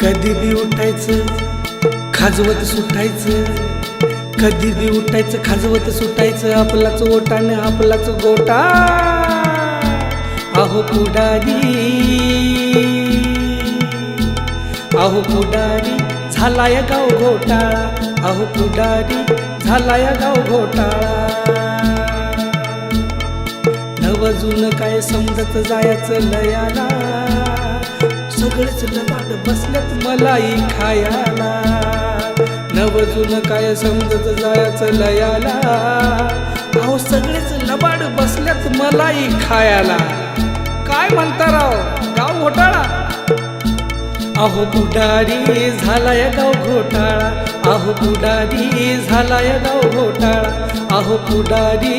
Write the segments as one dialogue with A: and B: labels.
A: कधी बी उठायचं खाजवत सुटायचं, कधी बी उठायचं खाजवत सुटायचं, आपलाच ओटाने आपलाच गोटा. अहो पुढारी, अहो पुढारी झालाय गाव घोटाळा, अहो पुढारी झालाय गाव घोटाळा. नवजून काय समजत जायचं लयाला, सगळेच लबाड बसल्यात मलाई खायाला. नवजून काय समजत जायचं लयाला, अहो सगळेच लबाड बसल्यात मलाई खायाला. काय म्हणता राव गाव घोटाळा. अहो पुढारी झालाय गाव घोटाळा, अहो पुढारी झालाय गाव घोटाळा, अहो पुढारी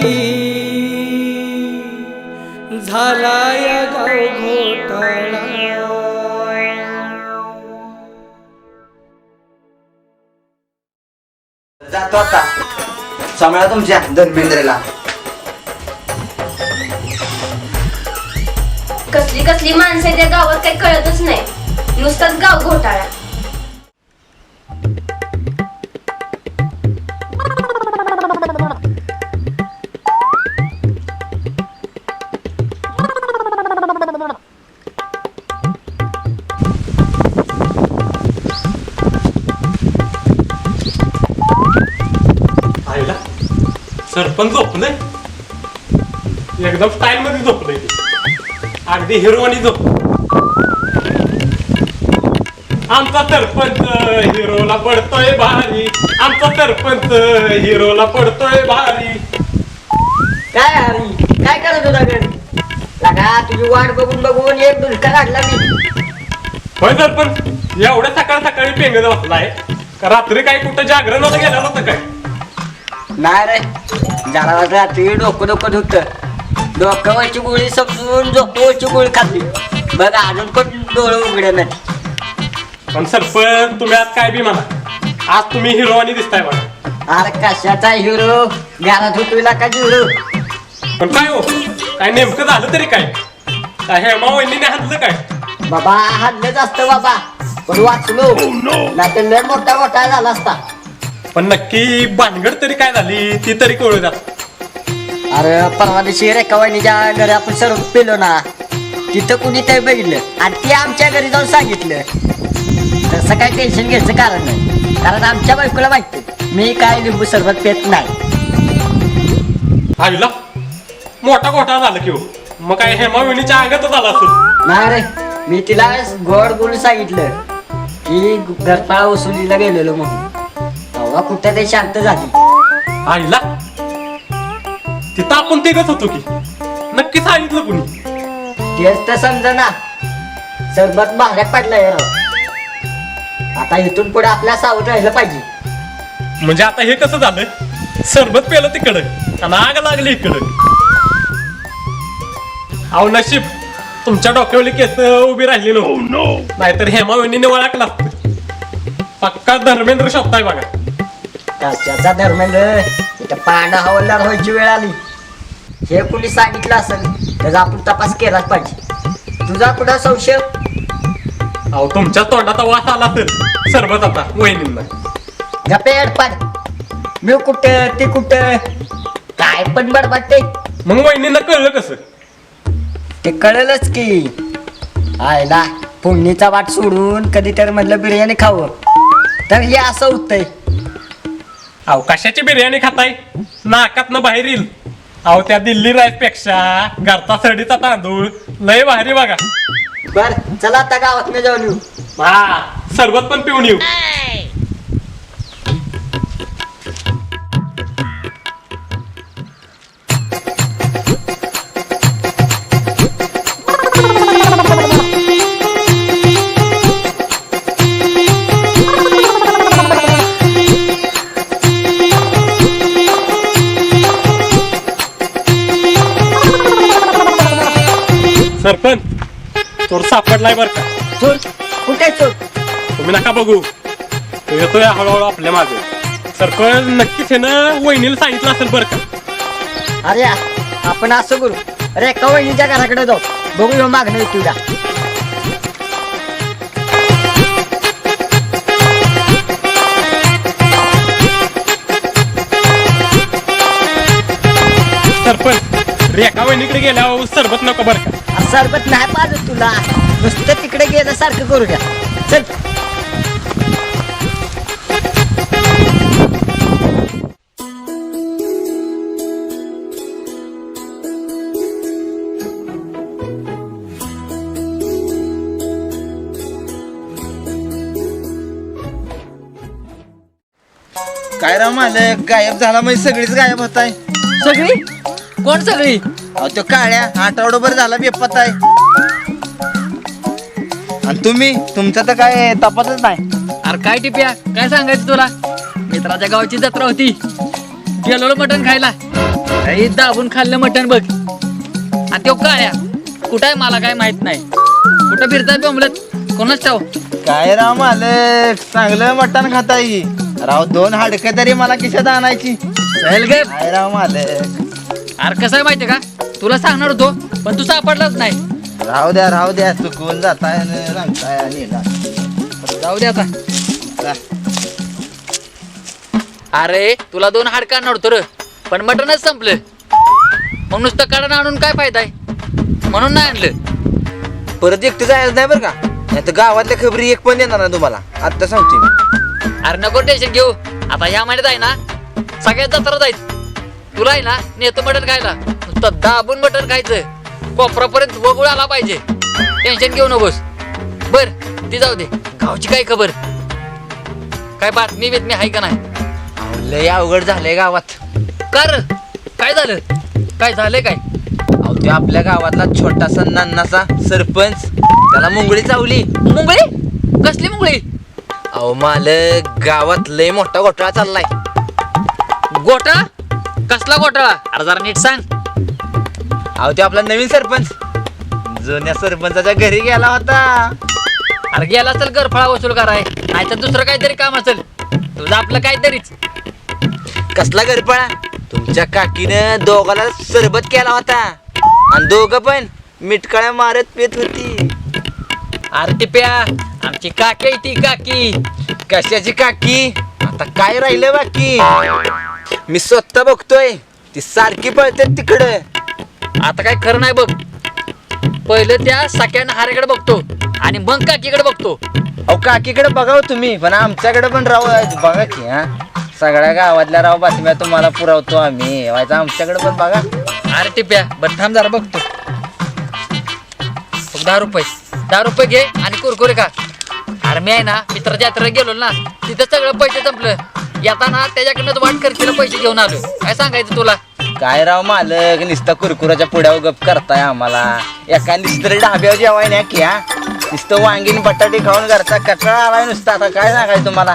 A: झालाय गाव घोटाळा.
B: जातो आता सांभाळा तुमच्या धर्मेंद्रला.
C: कसली कसली माणसं त्या गावात काही कळतच नाही, नुसताच गाव घोटाळा.
D: सरपंच झोपलंय एकदम स्टाईल मध्ये झोपलंय, अगदी हिरोवानी झोप. आमचा सरपंच हिरोला पडतोय भारी, आमचा सरपंच हिरोला पडतोय भारी.
B: काय हरी काय करत होता घरी? लगा तुझी वाट बघून बघून एक दुलका काढला मी.
D: होय सरपंच, एवढ्या सकाळ सकाळी पेंगत बसलाय का? रात्री काही कुठं जागरण होतं गेलं होतं काय?
B: नाही रे, जरा रात्री डोकं डोकं होतं, डोक्यावरची गोळी समजून झोपवरची गोळी खाल्ली. बघा अजून पण डोळे उघडे नाही.
D: पण सरपंच तुम्ही आज काय बी म्हणा, आज तुम्ही हिरोवानी दिसताय बघा.
B: अरे कशाचा हिरो, घरात होतोय का हिरो.
D: पण काय हो, काय नेमकं झालं तरी काय? काय हेमा वहिनीने हातलं काय?
B: बाबा हल्लच असतं बाबा, पण वाचलो नाही तर लय मोठा घोटाळा झाला असता.
D: पण नक्की भानगड तरी काय झाली ती तरी कळू द्या.
B: अरे परवा दिवशी रेखा वहिनीच्या घरी आपण सर्व पेलो ना, तिथं कुणी ते बघितलं आणि ते आमच्या घरी जाऊन सांगितलं. तसं काही टेन्शन घ्यायचं कारण नाही, कारण आमच्या बायकोला माहिती मी काय लिंबू सरबत पेत नाही.
D: आईला मोठा घोटाळा झाला की हो. मग काय हेमा वहिनीच्या अंगातच आला असेल.
B: नाही रे, मी तिला गोड बोलून सांगितलं की घरपाळा वसुलीला गेलेलो म्हणून, तेव्हा कुठं ते शांत झाली.
D: आईला तिथं आपण तेच होतो की, नक्की सांगितलं कुणी?
B: तेच तर समजा ना, सरबत महागात पडलाय राव. आता इथून पुढे आपल्या सावध राहिलं पाहिजे.
D: म्हणजे आता हे कसं झालं, सरबत पेलं तिकडं आणि आग लागली इकडं. अहो नशीब तुमच्या डोक्यावरली केस उभी राहिली नो, नाहीतर हेमा वहिनीने ओळखला असतं. पक्का धर्मेंद्र शब्द आहे बघा.
B: त्याचा धर्मेंद्र इथं पांडा हवालदार व्हायची वेळ आली. हे कुणी सांगितलं असेल त्याचा आपण तपास केलाच पाहिजे. तुझा कुठं संशय?
D: अहो तुमच्या तोंडाचा वास आला तर सरबत आता वहिनींना.
B: गपेड पाड, मी कुठं ते कुठं काय पण बडबडते.
D: मग वहिनींना कळलं कसं?
B: ते कळलंच की. आयला फोडणीचा वाट सोडून कधी तर म्हटलं बिर्याणी खावं, तर हे असं होतंय.
D: अहो कशाची बिर्याणी खाताय, नाकातनं बाहेर येईल. अहो त्या दिल्ली राईस पेक्षा घरचा सडीचा तांदूळ लय भारी बघा.
B: बर चला आता गावात मी जाऊन येऊ.
D: हा सरबत पण पिऊन येऊ. सरपंच चोर सापडलाय बर का?
B: चोर कुठे चोर?
D: तुम्ही नका बघू, तो येतोय हळूहळू आपल्या मागे. सरपंच नक्कीच हे ना वहिनीला सांगितलं असेल बर का?
B: अरे आपण असं करू, अरे एका वहिनीच्या घराकडे जाऊ, बघू मागणं तुला.
D: रेखा वहिनीकडे गेल्यावर सरबत नको बरं का.
B: सरबत नाही पाजत तुला, नुसतं तिकडे गेलं सारखं करू द्या. चल.
E: काय राव मालक, गायब झाला म्हणजे सगळीच गायब होत आहे.
F: सगळी कोण सगळी?
E: अहो तो काळ्या आठवडाभर झाला बेपत्ता आहे. आणि तुम्ही, तुमचा तर काय तपासच नाही.
F: अरे काय टिप्या, काय सांगायचं तुला? मित्राच्या गावाची जत्रा होती, गेलो मटण खायला. काही दाबून खाल्लं मटण बघ. आणि तो काळ्या कुठं आहे मला काय माहित नाही. कुठं फिरताय बोंबलत, कोणाच ठाव.
E: काय राव मालक, चांगलं मटण खाताय राव. 2 हाडकं तरी मला खिशात आणायची.
F: चल गे.
E: काय राव मालक.
F: अरे कसं आहे माहितीये का, तुला सांगणार होतो पण तू सापडलाच नाही.
E: राहू द्या, चुकवून जाताय आणि सांगताय आणि येणार.
F: जाऊ दे आता.
E: जा.
F: अरे तुला 2 हाडकं आणणार होतो र, पण मटणच संपलं. मग नुसतं काढून आणून काय फायदा आहे, म्हणून नाही आणलं.
E: परत एकटं जायचं नाही बरं का, नाही तर गावातल्या खबरी एक पण देणार ना तुम्हाला, आता सांगते मी.
F: अरे नको टेन्शन घेऊ. आता ह्या महिन्यात आहे ना सगळ्यात जत्रा जायचं. तुला आहे ना नेतो मटण खायला, नुसतं दाबून मटण खायचं. कोपरापर्यंत वगुळ आला पाहिजे. टेन्शन घेऊ नकोस. बर ती जाऊ दे, गावची काय खबर, काय बातमी बितमी आहे का नाही?
E: लय अवघड झालंय गावात.
F: कर काय झालं, काय झालंय काय?
E: अहो ते आपल्या गावातला छोटासा नान्नाचा सरपंच, त्याला मुंगळी चावली.
F: मुंबई? कसली मुंबई?
E: अहो मालक, गावात लय मोठा घोटाळा चाललाय.
F: घोटाळा? कसला घोटाळा? अरे जरा नीट सांग.
E: अहो ते आपला नवीन सरपंच जुन्या सरपंचाच्या घरी गेला होता.
F: अरे गेला असेल गरफळा वसूल कराय, नाही तर दुसरं काहीतरी काम असेल तुझं, आपलं काहीतरीच.
E: कसला गरपळा? तुमच्या काकीनं दोघाला सरबत केला होता आणि दोघं पण मिटकाळ्या मारत पेत होती.
F: अरे टिप्या, आमची काकी आहे ती काकी.
E: कशाची काकी? आता काय राहिलं बाकी? मी स्वतः बघतोय, ती सारखी पळते तिकडं.
F: आता काय खरं नाही बघ. पहिलं त्या सख्यानं हारेकडे बघतो आणि मग काकीकडे बघतो.
E: अहो काकीकडे बघाव तुम्ही, पण आमच्याकडे पण राव बघा की. हा, सगळ्या गावातल्या राव बातम्या तुम्हाला पुरवतो आम्ही, व्हायचं आमच्याकडे पण बघा.
F: अरे टिप्या, बरं थांब जरा बघतो. 10 रुपये घे आणि कुरकुरे खा. अरे मी आहे ना मित्राच्या यात्रेला गेलो ना, तिथं सगळं पैसे संपलं. येताना त्याच्याकडनं वाट खर्चीला पैसे घेऊन आलो. काय सांगायचं तुला?
E: काय राव मालक, नुसता कुरकुराच्या पुढ्यावर गप करताय आम्हाला. एका नुसतं डाब्यावर जेवाय नाही की. हा, नुसतं वांगीन बटाटे खाऊन घरचा कचरा आलाय नुसता. आता काय सांगायचं तुम्हाला.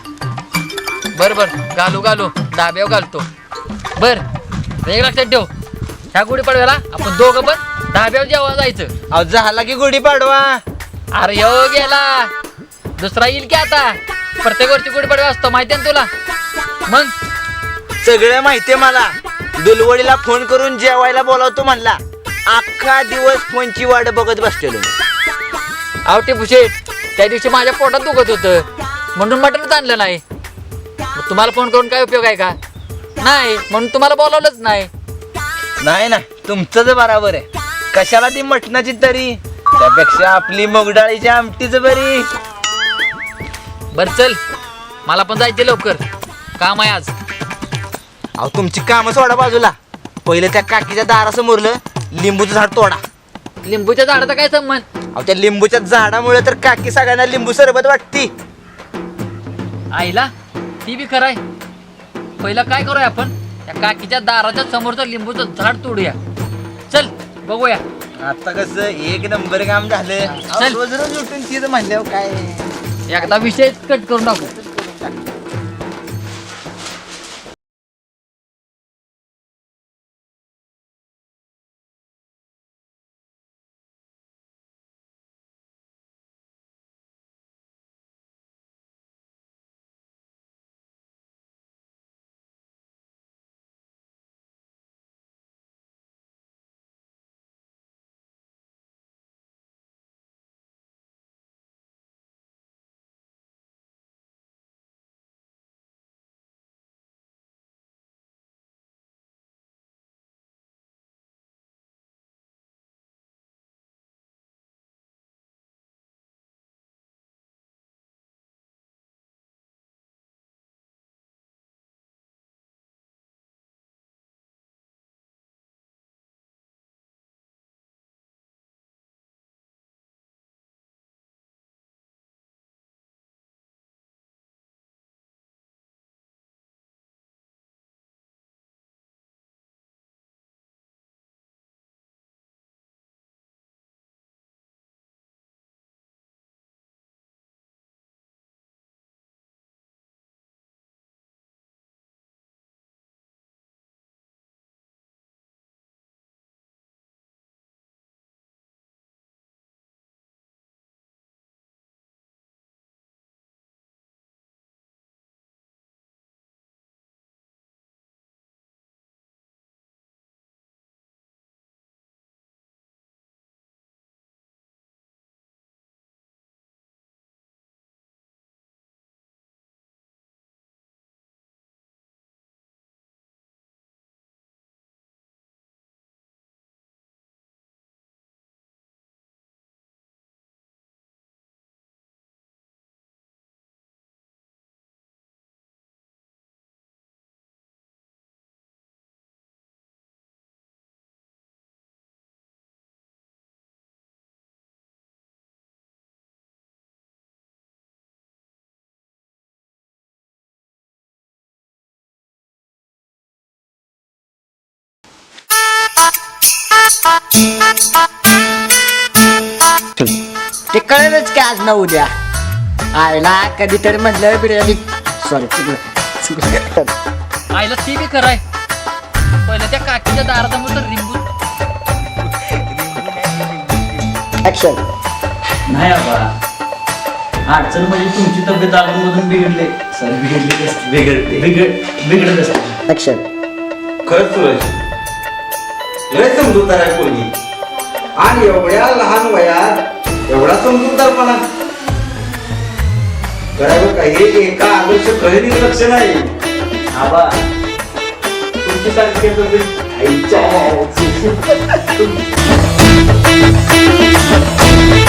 F: बरं घालू डाब्यावर घालतो. बर एक लक्षात ठेव, ह्या गुढीपाडव्याला आपण दोघं पण डाब्यावर जेव्हा जायचं.
E: अहो झाला की गुढी पाडवा.
F: अरे हो गेला, दुसरा येईल की आता. प्रत्येक वर्षी गुढीपाडवा असतो माहिती आहे ना तुला. मग
E: सगळं माहितीये मला. दुलवडीला फोन करून जेवायला बोलावतो म्हणला. अख्खा दिवस फोनची वाट बघत बसलेलो.
F: आवटे भुशेट, त्या दिवशी माझ्या पोटात दुखत होतं म्हणून मटणच आणलं नाही. मग तुम्हाला फोन करून काय उपयोग आहे का? नाही, म्हणून तुम्हाला बोलावलंच नाही.
E: नाही ना, तुमचं बरोबर आहे. कशाला ती मटणाची तरी, त्यापेक्षा आपली मुगडाळीची आमटीच बरी.
F: बर चल, मला पण जायचे लवकर, काम आहे आज.
E: अहो तुमची कामं सोडा बाजूला. पहिलं त्या काकीच्या दारासमोरलं लिंबूचं झाड तोडा.
F: लिंबूच्या झाडाचा काय संबंध?
E: अहो त्या लिंबूच्या झाडामुळे तर काकी सगळ्यांना लिंबू सरबत वाटती.
F: आईला ती बी खरंय. पहिलं काय करूया आपण, त्या काकीच्या दाराच्या समोरचं लिंबूचं झाड तोडूया. चल बघूया.
E: आता कसं एक नंबर काम झालं. अहो,
F: चल.
E: रोज रोज उठून तिथं म्हणल्यावर काय.
F: एकदा विषय कट करून टाकू.
B: ते कळेलच की आज ना उद्या आयला कधीतरी म्हटलं बिर्याणी सॉरी
F: आईला ती बी खरंय पहिलं त्या काकीच्या दारासमोर तर रिंबू
B: ऍक्शन.
G: नाही आबा अडचण म्हणजे तुमची तब्येत अजून बिघडले सर बिघडत असते.
B: ऍक्शन.
H: खरंच सूरज लय समजूतदार आहे पोरगी आणि एवढ्या लहान वयात एवढा समजूतदारपणा करावं काही एका आदर्श गहिनीच लक्ष नाही.
G: आबा तुमची सारखी
H: आईच्या